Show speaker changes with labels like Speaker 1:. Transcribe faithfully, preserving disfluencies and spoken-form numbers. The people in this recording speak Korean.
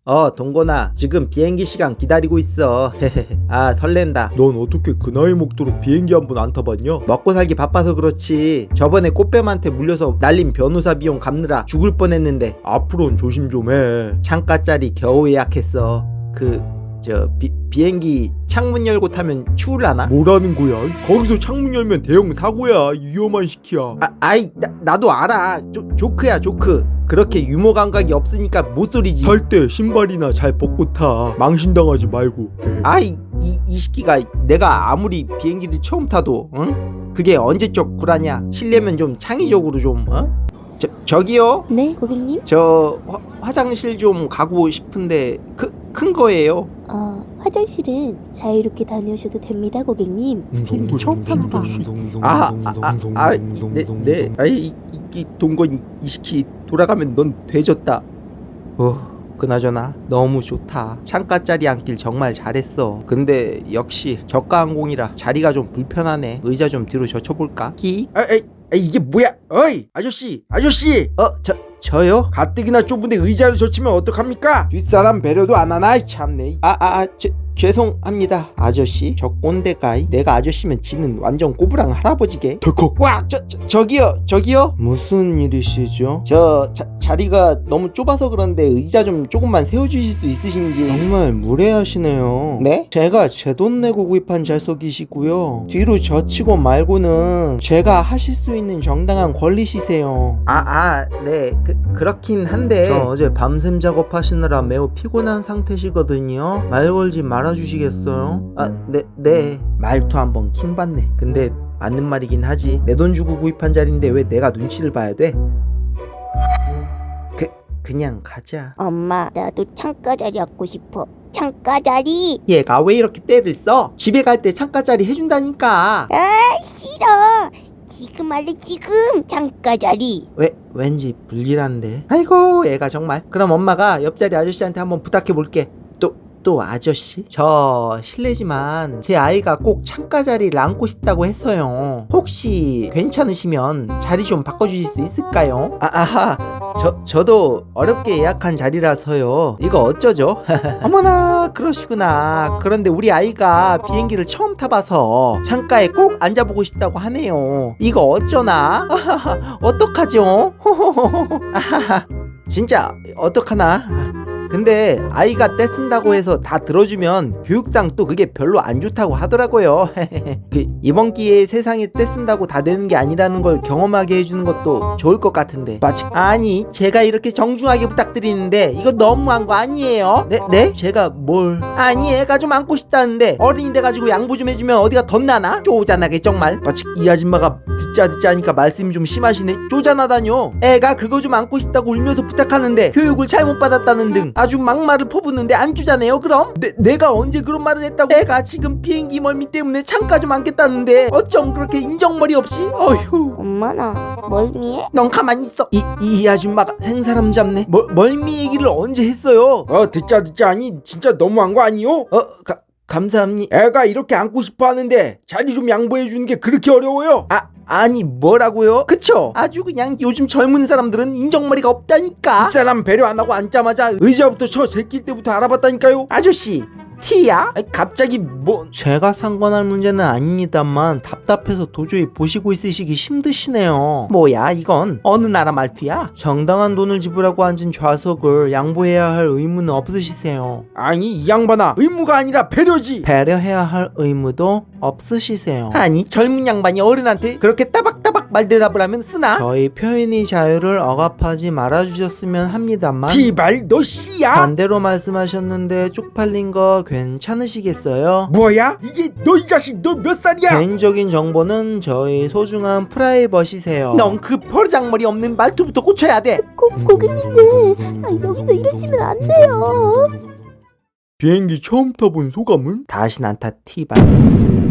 Speaker 1: 어 동건아 지금 비행기 시간 기다리고 있어. 아 설렌다.
Speaker 2: 넌 어떻게 그 나이 먹도록 비행기 한 번 안 타봤냐?
Speaker 1: 먹고 살기 바빠서 그렇지. 저번에 꽃뱀한테 물려서 날린 변호사 비용 갚느라 죽을 뻔했는데
Speaker 2: 앞으로는 조심 좀 해.
Speaker 1: 창가짜리 겨우 예약했어. 그 저 비행기 창문 열고 타면 추울라나?
Speaker 2: 뭐라는 거야? 거기서 창문 열면 대형 사고야. 위험한 시키야.
Speaker 1: 아, 아이 나, 나도 알아. 조, 조크야 조크. 그렇게 유머 감각이 없으니까 못소리지.
Speaker 2: 탈 때 신발이나 잘 벗고 타. 망신당하지 말고.
Speaker 1: 아이 이, 이 시기가 내가 아무리 비행기를 처음 타도 응? 그게 언제적 구라냐. 실례면 좀 창의적으로 좀 어? 저, 저기요?
Speaker 3: 네, 고객님?
Speaker 1: 저 화, 화장실 좀 가고 싶은데 크, 큰 거예요.
Speaker 3: 어, 화장실은 자유롭게 다녀오셔도 됩니다, 고객님.
Speaker 1: 비행기 처음 타나 봐. 아, 아, 아, 아, 네, 네. 아이, 이, 이 동건이 이 시기 돌아가면 넌 돼졌다. 어, 그나저나 너무 좋다. 창가짜리 앉길 정말 잘했어. 근데 역시 저가항공이라 자리가 좀 불편하네. 의자 좀 뒤로 젖혀볼까? 기? 아, 아, 아, 이게 뭐야? 어이, 아저씨, 아저씨. 어, 저, 저요? 가뜩이나 좁은데 의자를 젖히면 어떡합니까? 뒷사람 배려도 안 하나? 참네. 아, 아, 아, 제, 죄송합니다. 아저씨, 저 꼰대가이. 내가 아저씨면 지는 완전 꼬부랑 할아버지게.
Speaker 2: 덜컥.
Speaker 1: 와, 저, 저, 저기요, 저기요. 무슨 일이시죠? 저 자, 자리가 너무 좁아서 그런데 의자 좀 조금만 세워주실 수 있으신지. 정말 무례하시네요. 네? 제가 제 돈 내고 구입한 좌석이시고요. 뒤로 젖히고 말고는 제가 하실 수 있는 정당한 권리시세요. 아, 아, 네, 그, 그렇긴 한데. 저 어제 밤샘 작업하시느라 매우 피곤한 상태시거든요. 말 걸지 말아주시겠어요? 아, 네, 네. 말투 한번 킹받네. 근데 맞는 말이긴 하지. 내 돈 주고 구입한 자리인데 왜 내가 눈치를 봐야 돼? 그, 그냥 가자.
Speaker 3: 엄마, 나도 창가 자리 앉고 싶어. 창가 자리.
Speaker 1: 얘가 왜 이렇게 때를 써? 집에 갈 때 창가 자리 해준다니까.
Speaker 3: 아, 싫어. 지금 할래, 지금. 창가 자리.
Speaker 1: 왜, 왠지 불길한데. 아이고 얘가 정말. 그럼 엄마가 옆자리 아저씨한테 한번 부탁해 볼게. 또, 또 아저씨? 저 실례지만 제 아이가 꼭 창가 자리를 앉고 싶다고 했어요. 혹시 괜찮으시면 자리 좀 바꿔주실 수 있을까요? 아, 아하, 저, 저도 어렵게 예약한 자리라서요. 이거 어쩌죠? 어머나 그러시구나. 그런데 우리 아이가 비행기를 처음 타봐서 창가에 꼭 앉아보고 싶다고 하네요. 이거 어쩌나? 어떡하죠? 아하하, 진짜 어떡하나? 근데 아이가 떼쓴다고 해서 다 들어주면 교육상 또 그게 별로 안 좋다고 하더라고요. 그 이번 기회에 세상에 떼쓴다고 다 되는 게 아니라는 걸 경험하게 해주는 것도 좋을 것 같은데. 맞아. 아니 제가 이렇게 정중하게 부탁드리는데 이거 너무한 거 아니에요? 네? 네? 제가 뭘? 아니 애가 좀 안고 싶다는데 어린이 돼가지고 양보 좀 해주면 어디가 덧나나? 쪼잔하게 정말. 마치 이 아줌마가 듣자 듣자 하니까 말씀이 좀 심하시네. 쪼잔하다뇨. 애가 그거 좀 안고 싶다고 울면서 부탁하는데 교육을 잘못 받았다는 등 아주 막말을 퍼붓는데 안 주잖아요. 그럼 내, 내가 언제 그런 말을 했다고. 애가 지금 비행기 멀미 때문에 창가 좀 앉겠다는데 어쩜 그렇게 인정머리 없이. 어휴.
Speaker 3: 엄마, 나 멀미해?
Speaker 1: 넌 가만히 있어. 이, 이 아줌마가 생사람 잡네. 멀, 멀미 얘기를 언제 했어요?
Speaker 2: 어 듣자 듣자 아니 진짜 너무한 거 아니요?
Speaker 1: 어 가, 감사합니다.
Speaker 2: 애가 이렇게 앉고 싶어 하는데 자리 좀 양보해 주는 게 그렇게 어려워요?
Speaker 1: 아 아니 뭐라고요? 그쵸? 아주 그냥 요즘 젊은 사람들은 인정머리가 없다니까.
Speaker 2: 이 사람 배려 안 하고 앉자마자 의자부터 쳐 제낄 때부터 알아봤다니까요.
Speaker 1: 아저씨 티야? 아니, 갑자기 뭐. 제가 상관할 문제는 아닙니다만 답답해서 도저히 보시고 있으시기 힘드시네요. 뭐야 이건 어느 나라 말투야? 정당한 돈을 지불하고 앉은 좌석을 양보해야 할 의무는 없으시세요.
Speaker 2: 아니 이 양반아, 의무가 아니라 배려지.
Speaker 1: 배려해야 할 의무도 없으시세요. 아니 젊은 양반이 어른한테 그렇게 따박따박 말대답을 하면 쓰나? 저희 표현의 자유를 억압하지 말아주셨으면 합니다만.
Speaker 2: 티발 너 씨야?
Speaker 1: 반대로 말씀하셨는데 쪽팔린 거 괜찮으시겠어요?
Speaker 2: 뭐야? 이게 너 이 자식 너 몇 살이야?
Speaker 1: 개인적인 정보는 저희 소중한 프라이버시세요. 넌 그 버르장머리 없는 말투부터 고쳐야 돼.
Speaker 3: 고, 고객님들, 아, 여기서 이러시면 안 돼요.
Speaker 2: 비행기 처음 타본 소감은?
Speaker 1: 다신 안 타 티발.